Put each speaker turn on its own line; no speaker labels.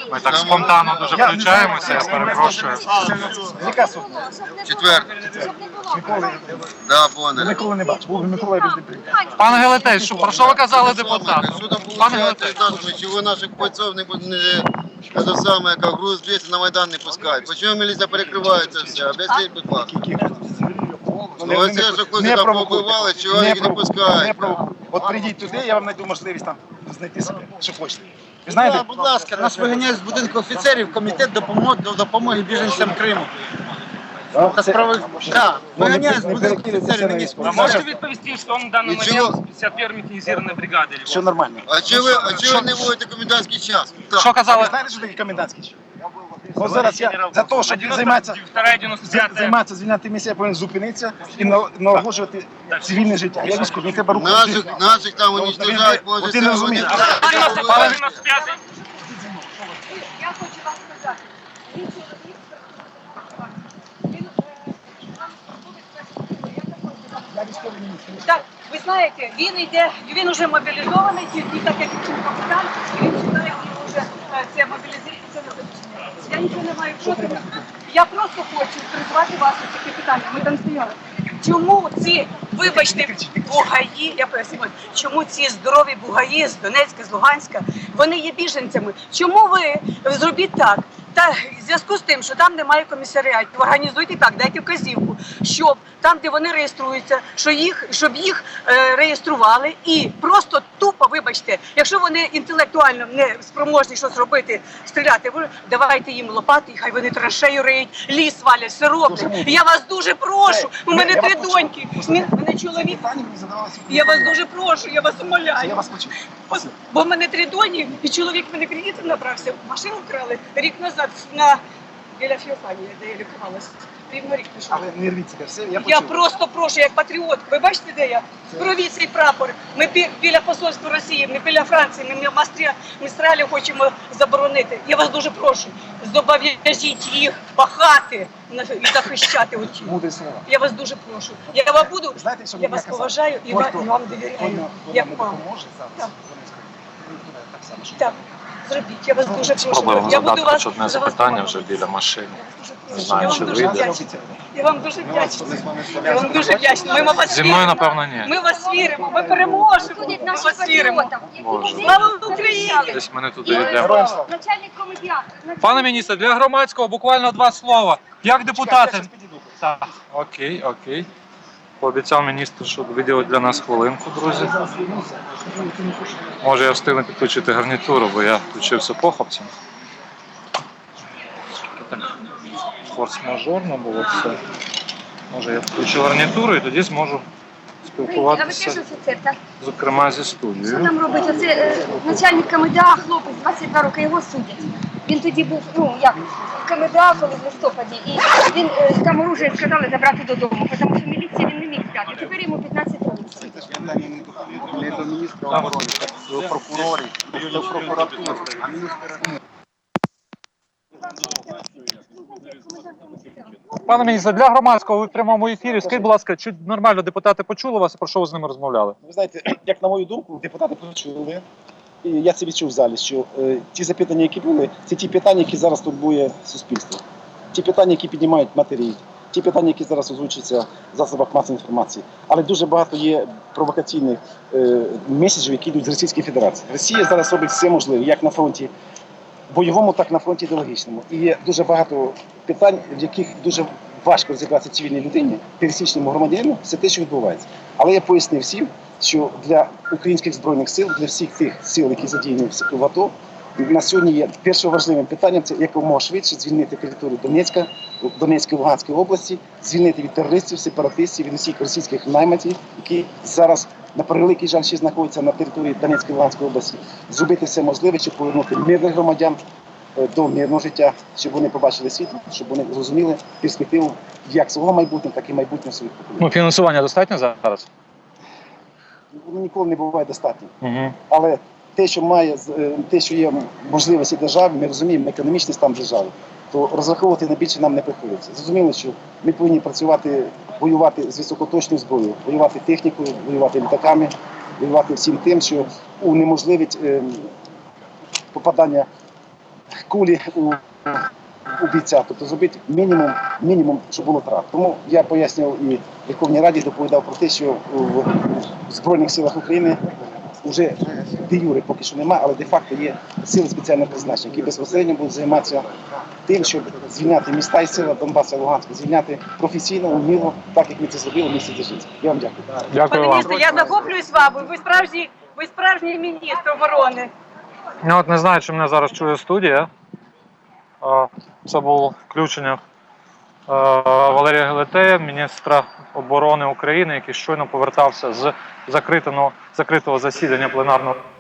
Ми так спонтанно дуже включаємося, я перепрошую.
Яка суд?
Четвертий.
Миколи.
Да, Бондар.
Миколи не бачу. Був Микола без прийняв.
Пане Гелетей, про що ви казали депутату?
Судом
Пане
получается,
Гелетей.
чего наших бойцов это самое, как груз 200 на Майдан не пускают. Почему милиция перекрывается все? Объясніть, будь ласка. Ну, ось я, що хлопці там побивали, чого їх не пускають.
От прийдіть туди, я вам знайду можливість там знайти себе, що хочете. Ви знаєте?
Будь ласка, нас виганяють з будинку офіцерів комітет допомоги біженцям Криму. Та справи, так, виганяють з будинку офіцерів міністра.
А можете відповісти, що он в даний
Нічого.
момент з 51-ї механізованої бригади?
Все нормально.
А чого ви не вводите комендантський час?
Що
Ви
казали?
знаєте, що таке комендантський час? Ну, зараз я за те, щоб займатися звільняти місце, я повинен зупинитися і налагоджувати цивільне життя. Я військовий, мені треба рухати.
Наших там уничтожають,
От ти не розумієш.
Я хочу вам сказати, він чоловік, так, ви знаєте, він уже мобілізований, тільки так як він капітан, він читає, він вже це мобілізація, це не започне. Я нічого не маю проти. Я просто хочу призвати вас до таке питання. Ми там стояли. Чому ці, вибачте, бугаї, я поясню, чому ці здорові бугаї з Донецька, з Луганська, вони є біженцями? Чому ви зробіть так? Та в зв'язку з тим, що там немає комісаріатів, організуйте так, дайте вказівку, щоб там, де вони реєструються, щоб їх реєстрували і просто тупо, вибачте, якщо вони інтелектуально не спроможні щось робити, стріляти, давайте їм лопати, і хай вони траншею риють, ліс валять, все роблять. Я вас дуже прошу, у мене 3 доньки, мене чоловік. Я вас дуже прошу, я вас умоляю.
Я вас почув.
Бо в мене 3 доні, і чоловік мене кредитом набрався, машину вкрали рік назад біля Феофанії, де я лікувалася. Рівно рік пішов.
Але не рвіться, все, я почув.
Я просто прошу, як патріот. Ви бачите, де я? Провіть цей прапор. Ми біля посольства Росії, ми біля Франції, ми Містралі хочемо заборонити. Я вас дуже прошу, зобов'яжіть їх пахати і захищати оті.
Мудрі слова.
Я вас дуже прошу. Я вам буду,
Знаєте, що
я
мені
вас
казали?
поважаю і вам довіряю. Як
Хто
маму.
допоможе зараз,
Так.
вони туди так само, що
Так, зробіть. Я вас дуже прошу.
Спробуємо
Я буду
задати
вас
хоч одне
за вас
запитання вже
молитися.
біля машини.
Я
Не
вас
знаю,
дуже
чи
прошу.
вийде.
Я вам дуже вдячна. Я вам дуже вдячна. Ми вас
Зі мною,
віримо.
напевно, ні.
Ми вас віримо. Ми переможемо. Ми
Будуть наші
вас віримо.
патріоти.
Боже.
Слава Україні!
Десь ми не туди йдемо.
Героям слава.
Начальник комедіату.
Пане міністре, для громадського буквально 2 слова. Як
Я
депутати?
зараз підійду.
Так, окей. Пообіцяв міністр, що виділить для нас хвилинку, друзі. Може я встигну підключити гарнітуру, бо я включився похопцем. Так, форс-мажорно було все. Може я включу гарнітуру і тоді зможу
А ви
спілкуватися,
теж офіцер, так?
зокрема зі
Що
студією.
там робить? Оце начальник КМДА, хлопець, 22 роки, його судять. Він тоді був, в КМДА, коли в листопаді, і він там оружие сказали забрати додому, тому що міліція він не міг взяти. Тепер йому 15 років.
Це ж питання не до міністра оборони, до прокурорів, до прокуратури, а міністра.
Пане міністре, для громадського ви в прямому ефірі. Скажіть, будь ласка, чи нормально депутати почули вас і про що ви з ними розмовляли?
Ви знаєте, як на мою думку, депутати почули, і я це відчув в залі, що ті запитання, які були, це ті питання, які зараз турбує суспільство. Ті питання, які піднімають матері, ті питання, які зараз озвучуються в засобах масової інформації. Але дуже багато є провокаційних меседжів, які йдуть з Російської Федерації. Росія зараз робить все можливе, як на фронті бойовому, так і на фронті ідеологічному. І є дуже багато питань, в яких дуже важко розібратися цивільній людині, пересічному громадянину, все те, що відбувається. Але я пояснив всім, що для українських збройних сил, для всіх тих сил, які задіяні в АТО, на сьогодні є першим важливим питанням – це якомога швидше звільнити територію Донецької, Луганської області, звільнити від терористів, сепаратистів, від усіх російських найманців, які зараз, на превеликий жаль, ще знаходяться на території Донецької, Луганської області, зробити все можливе, щоб повернути мирних громадян до мирного життя, щоб вони побачили світло, щоб вони зрозуміли перспективу як свого майбутнього, так і майбутнього своїх поколінь.
Фінансування достатньо зараз?
Воно ніколи не буває достатньо.
Угу.
Але те, що є можливості держави, ми розуміємо економічний стан держави, то розраховувати на більше нам не приходиться. Зрозуміло, що ми повинні працювати, воювати з високоточною зброєю, воювати технікою, воювати літаками, воювати всім тим, що унеможливить попадання кулі у бійця, тобто зробити мінімум, щоб було трап. Тому я пояснював і в Верховній Раді доповідав про те, що в Збройних силах України вже де юри поки що немає, але де-факто є сили спеціального призначення, які безпосередньо будуть займатися тим, щоб звільняти міста і села Донбасу і Луганська, звільняти професійно, уміло, так як ми це зробили в місті Дзержинськ. Я вам дякую.
Дякую
Пане
вам.
міністре, я захоплююсь вами. Ви справжній міністр оборони.
Я от не знаю, чи мене зараз чує студія. Це було включення Валерія Гелетея, міністра оборони України, який щойно повертався з закритого засідання пленарного